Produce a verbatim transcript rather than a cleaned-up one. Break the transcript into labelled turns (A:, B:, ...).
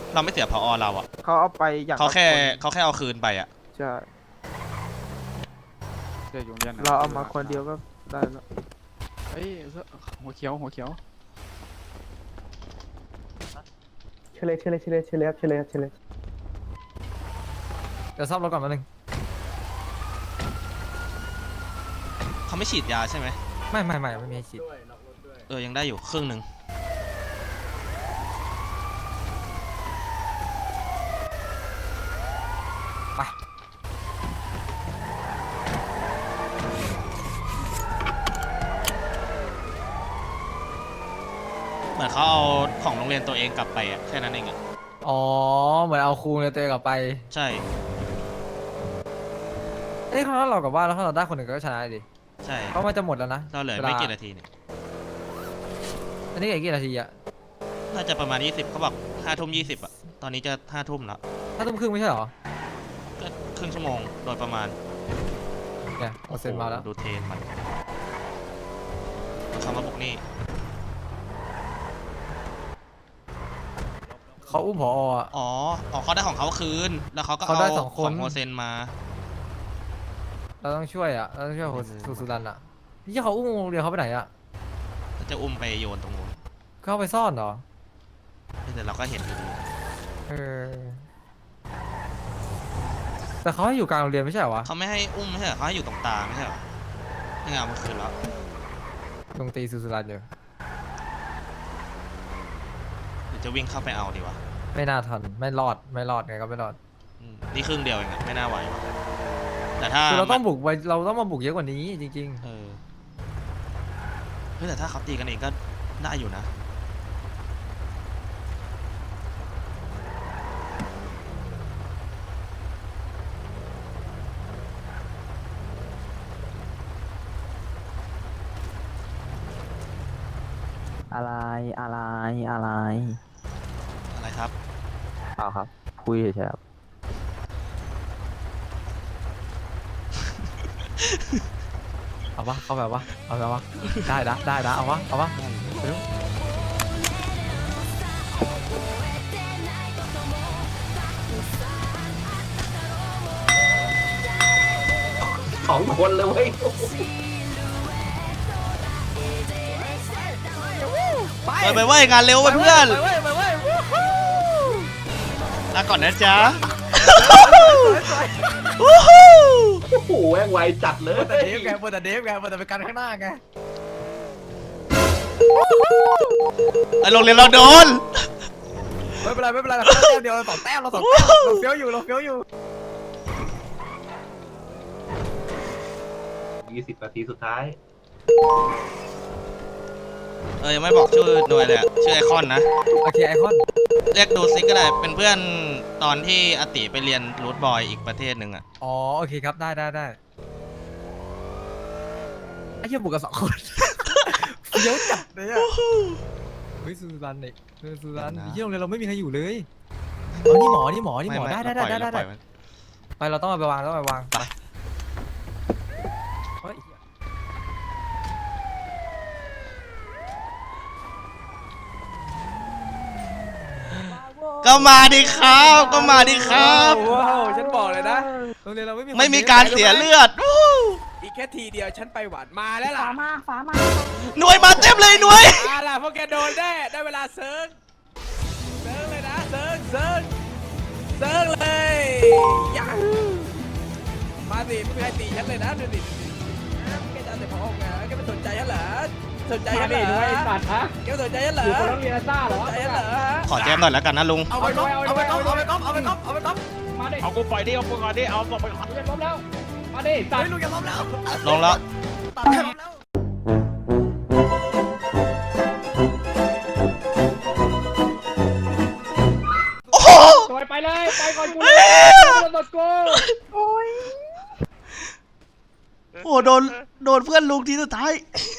A: เราไม่เสียพอเราอ่ะ
B: เขาเอาไปอย่าง
A: เขาแค่เขาแค่เอาคืนไปอ่ะ
B: ใช่
C: เดี๋ยวอยู่เรียน
B: เราเอามาคนเดียวก็ได้แล้ว
C: เฮ้ยหัวเขียวหัวเขียว
D: เชลเลเชลเลเชลเลเชลเลเชลเลเชลเลเดี๋ยวซ่อมรถก่อนแป๊บนึง
A: เขาไม่ฉีดยาใช่ไหม
D: ไม่ไม่ไม่ไม่มีฉีด
A: เออยังได้อยู่ครึ่งหนึ่ง
D: ไป
A: เหมือนเขาเอาของโรงเรียนตัวเองกลับไปอ่ะแค่นั้นเองอ่ะ
D: อ๋อเหมือนเอาครูในตัวเองกลับไป
A: ใช่
D: เอ้ยถ้าเรากลับบ้านแล้วถ้าเราได้คนหนึ่งก็ชนะดิ
A: ใช่
D: เพราะมันจะหมดแล้วนะ
A: เราเหลือไม่กี่นาทีเนี่ย
D: อันนี้กี่นาทีอะ
A: น่าจะประมาณยี่สิบเขาบอกห้าทุ่มยี่สิบอ่ะตอนนี้จะห้าทุ่มแล้ว
D: ห้าทุ่มครึ่งไม่ใช่หรอ
A: ก็ครึ่งชั่วโมงโดยประมาณ
D: เนี่ยเอาเซ็นมาแล้ว
A: ดูเทนมันคำว่าบุกนี่
D: เขาอุ้มผออ๋อ
A: อ๋อเขาได้ของเขาคืนแล้วเขาก็เอาของโฮเซนมา
D: เราต้องช่วยอ่ะเราต้องช่วยสุสุรันอ่ะนี่เขาอุ้มโรงเรียนเขาไปไหนอ่ะ
A: จะอุ้มไปโยนตรงนู้น
D: เขาไปซ่อนเหรอ
A: แต่เราก็เห็นอยู่ดี
D: เออแต่เขาให้อยู่กลางโรงเรียนไม่ใช่เหรอวะ
A: เขาไม่ให้อุ้มไม่ใช่เหรอเขาให้อยู่ตรงตาไม่ใช่เหรอนี่ไงเอามาคืนแล้ว
D: ตรงตีสุสุรันอยู่
A: หรือจะวิ่งเข้าไปเอาดีวะ
D: ไม่น่าทันไม่รอดไม่รอดไงก็ไม่รอด
A: นี่ครึ่งเดียวเองไม่น่าไหวแต่ถ้า
D: คือเราต้องบุกไปเราต้องมาบุกเยอะกว่านี้จริง
A: ๆเออเฮ้ยแต่ถ้าเขาตีกันเองก็ได้อยู่นะ
E: อะไรอะไรอะไร
A: อะไรครับ
E: เปล่าครับคุยเฉยๆครับ
D: เอาวะเข้าแบบวะเอาแบบวะได้นะได้นะเอาวะเอาวะ
E: สองคนเลยเว้ย
A: ไปไปเว้ยงานเร็วไปเพื่อนลาก่อนนะจ๊ะโอ้
E: โหแม่งไวจัดเลย
D: แต่เดฟไงเปิดแต่เดฟไงเปิดแต่ไปกันข้างหน้าไง
A: ไอ้โรงเรียนเราโดน
D: ไม่เป็นไรไม่เป็นไรเราแต้มเดียวเราสองแต้มเราสองแต้มเราเฟี้ยวอยู่เราเฟี้ยวอยู่
E: ยี่สิบนาทีสุดท้าย
A: เออยังไม่บอกชื่อหน่วยเลยชื่อไอคอนนะ
D: โอเคไอคอน
A: เรียกดูซิกก็ได้เป็นเพื่อนตอนที่อติไปเรียนรูทบอยอีกประเทศหนึ่งอ่ะ
D: อ๋อโอเคครับได้ได้ได้ไอ้เหี้ยบุกกันสองคนเดี๋ยวจัดเลยอ่ะเฮ้ยซูรันเนี่ยซูรันที่โรงเรียนเราไม่มีใครอยู่เลยอ๋อนี่หมอนี่หมอนี่หมอได้ได้ได้ได้ได้ไปเราต้องเอาไปวางต้องไปวางไป
A: ก็มาดิครับก็มาดิครับ
D: ว้าวฉันบอกเลยนะโรงเรียนเราไม่มี
A: ไม่มีการเสียเลือด
C: อีกแค่ทีเดียวฉันไปหวานมาแล้วล่ะ
F: ฝามาฝามา
A: หน่วยมาเต็มเลยหน่วย
C: มาล่ะพวกแกโดนได้ได้เวลาเซิร์ฟเซิร์ฟเลยนะเซิร์ฟเซิร์ฟเซิร์ฟเลยยังมาสิไม่มีใครตีฉันเลยนะดูดิแกจะแต่พอไงแกไม่สนใจฉันเหรอสนใจฉันเหรอแกสนใจฉันเหรออยู่คนต้องเรียนซ่าเหรอสนใจฉันเหรอ
A: ขอแจมหน่อยแล้วกันนะลุง
D: เอาไปก๊อปเอาไปก๊อปเอาไปก๊อปเอาไปก๊อปเอาไปก๊อป
C: มาดิเอากูปล่อยดิเอากูก่อนดิเอาบอกไปก่อนลุงล้มแล้วมาดิตัด
D: ลุงอย่าล้มแล้ว
A: ลงแล้ว
D: ตัดล้มแล้ว
A: โอ้โห
C: ไปเลยไปก่อนกูโดนกู
F: โอ้ย
A: โอ้โดนโดนเพื่อนลุงทีสุดท้าย